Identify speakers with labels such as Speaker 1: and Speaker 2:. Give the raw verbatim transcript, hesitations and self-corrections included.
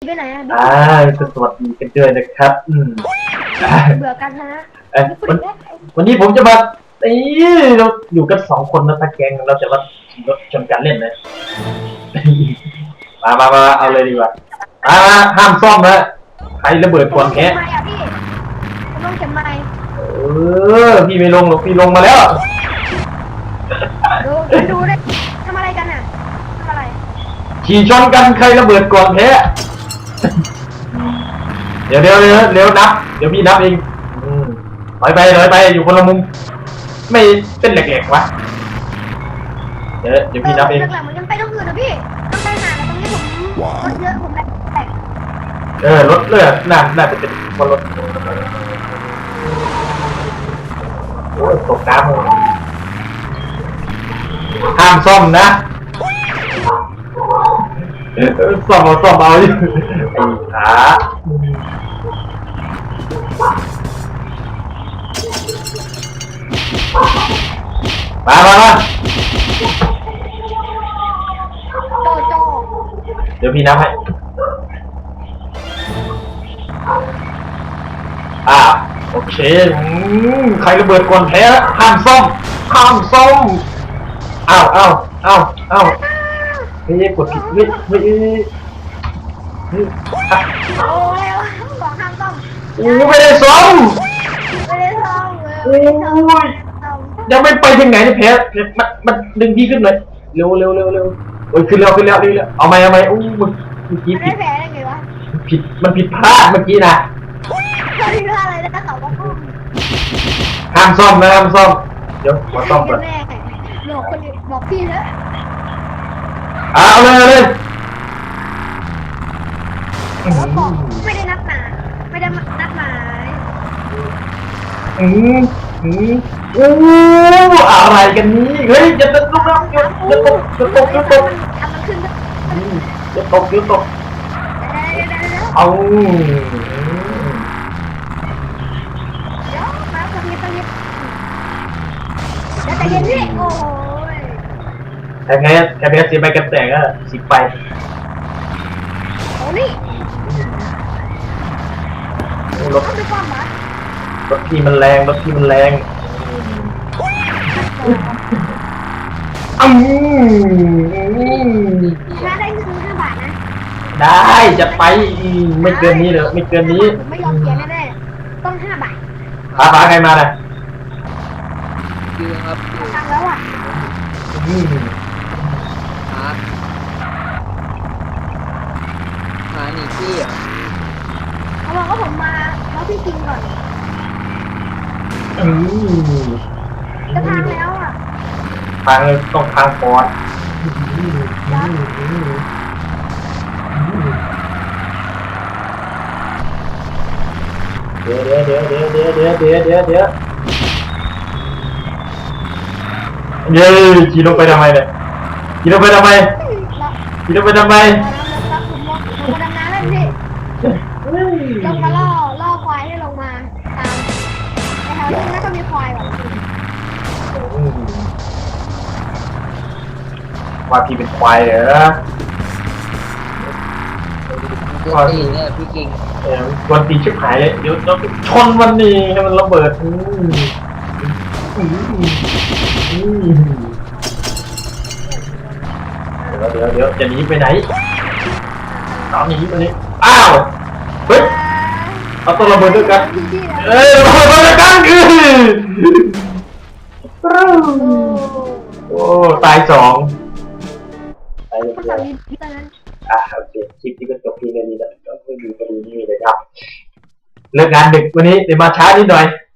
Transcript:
Speaker 1: ไปไหนอ่ะ
Speaker 2: อ่าสวัสดีกันด้วยนะครับอืม
Speaker 1: เบื่อกันนะ
Speaker 2: เอ้ยวันวันนี้ผมจะมาเอ้ยเราอยู่กันสองคนนะตะแกงเราจะมาชนกันเล่นนะมามามาเอาเลยดีกว่าอ่าห้ามซ่อมนะใครระเบิดก่อนแค่
Speaker 1: ผมต้องเข็มไม้
Speaker 2: เออพี่ไม่ลงหรอกพี่ลงมาแล้ว
Speaker 1: ดูดูได้ทำอะไรกันอ่ะทำอะไร
Speaker 2: ขี่ชนกันใครระเบิดก่อนแพ้เดี๋ยวเดี๋ยวเดี๋ยวเดี๋ยวนับเดี๋ยวพี่นับเองถอยไปถอยไปอยู่คนละมุมไม่เป็นแหลกๆวะเดี๋ยวเดี๋ยวพี่นับเอง
Speaker 1: หลังๆมันยังไปต้องอื่นนะพี่ต้องไปหาแล้วตรงนี้ผมรถเยอะผมแบก
Speaker 2: เออรถเลือดน่าน่าจะเป็นคนรถโอ้ยตกน้ำเลยห้ามซ่อมนะซ่อมเอาซ่อมเอาไอ้ขามามามา
Speaker 1: โจโจ
Speaker 2: เดี๋ยวพี่นับให้อ่าโอเคใครระเบิดก่อนแพ้ห้ามซ่อมห้ามซ่อมอ้าวอ้าวอ้าวอ้าวเฮ้ยกดผิดเฮ้ยเฮ้ยเฮ้ย
Speaker 1: โอ้ยบอกห้ามซ่อม
Speaker 2: โอ้ไม่ได้ซ่อม
Speaker 1: ไม่ได้ซ่อม
Speaker 2: โอ้ยยังไม่ไปถึงไหนเนี่ยแพ้มันมันดึงพี่ขึ้นเลยเร็วเร็วเร็วเร็วโอ้ยขึ้นแล้วขึ้นแล้วนี่แล้วเอาไหมเอาไหมโอ้เมื่อกี้ผิด
Speaker 1: แพ้ได้ไงวะ
Speaker 2: ผิดมันผิดพลาดเมื่อกี้นะ
Speaker 1: เขาผิดพลาดอะไรนะเขาบอก
Speaker 2: ห้ามซ่อมนะห้ามซ่อมเดี๋ยวขอซ่อมก่อน
Speaker 1: บอกคนบอกพี่เถอะ
Speaker 2: เอาเลยเอาเลย
Speaker 1: แล้วบอกไม่ได้นัดหมายไม่ได้นัดหมาย
Speaker 2: อืมอืมโอ้อะไรกันนี่เฮ้ยจะตกจะตกจะตกจะตกจะตก
Speaker 1: ทำมันขึ้น
Speaker 2: จะตกจะตกเอา
Speaker 1: เดี๋ยวมาสักนิดสักนิดแล้วแต่เย็นนี่โอ้ย
Speaker 2: แต่ไงแค่เบสสีไปกันแตกก็สิบไป
Speaker 1: โอ้นี่
Speaker 2: รถรถพี่มันแรงรถพี่มันแรงอืม
Speaker 1: ถ้าได้เงินห้าบาทนะ
Speaker 2: ได้จะไปไม่เกินนี้เหรอไม่เกินนี้
Speaker 1: ไม่ยอมเสียแน่ๆต้องห้าบาท
Speaker 2: พาพาใครมาเลย
Speaker 3: ยืนครับ
Speaker 1: ตังแล้วอ่ะ
Speaker 3: หาหาหนีพี่อ่ะ
Speaker 1: เขาบอกว่าผมมาเขาพี่กินก่อนจะทางแล้วอ่ะ
Speaker 2: ทางเลยต้องทางปอดเดี๋ยวเดี๋ยวเดี๋ยวเดี๋ยวเดี๋ยวเดี๋ยวเดี๋ยวเดี๋ยวเดี๋ยวเย้ขี่ลงไปทำไมเนี่ยขี่ลงไปทำไมขี่ลงไปทำไม
Speaker 1: ผมมาดำน้ำเล่นพี่ลงมาล่อล่อควายให้ลงมาตามแต่แถวนี้น่าจะมีควายแบบ
Speaker 2: ว่าพี่เป็นควายเหรอ
Speaker 3: ควายเนี่ยพี่กิง
Speaker 2: เออวันตีชิบหายเลยเดี๋ยวเราชนวันนี้ให้มันระเบิดเดี๋ยวเดี๋ยวเดี๋ยวจะหนีไปไหนตอนนี้วันนี้อ้าวเฮ้ยเอาตัวระเบิดด้วยกันเอ้ยระเบิดด้วยกันคือโอ้ตายสองตายเดียวอ่ะโอเคคลิปนี้ก็จบเพียงแค่นี้แล้วก็ไม่มีประเด็นนี้เลยครับเลิกงานดึกวันนี้เดี๋ยวมาช้านิดหน่อย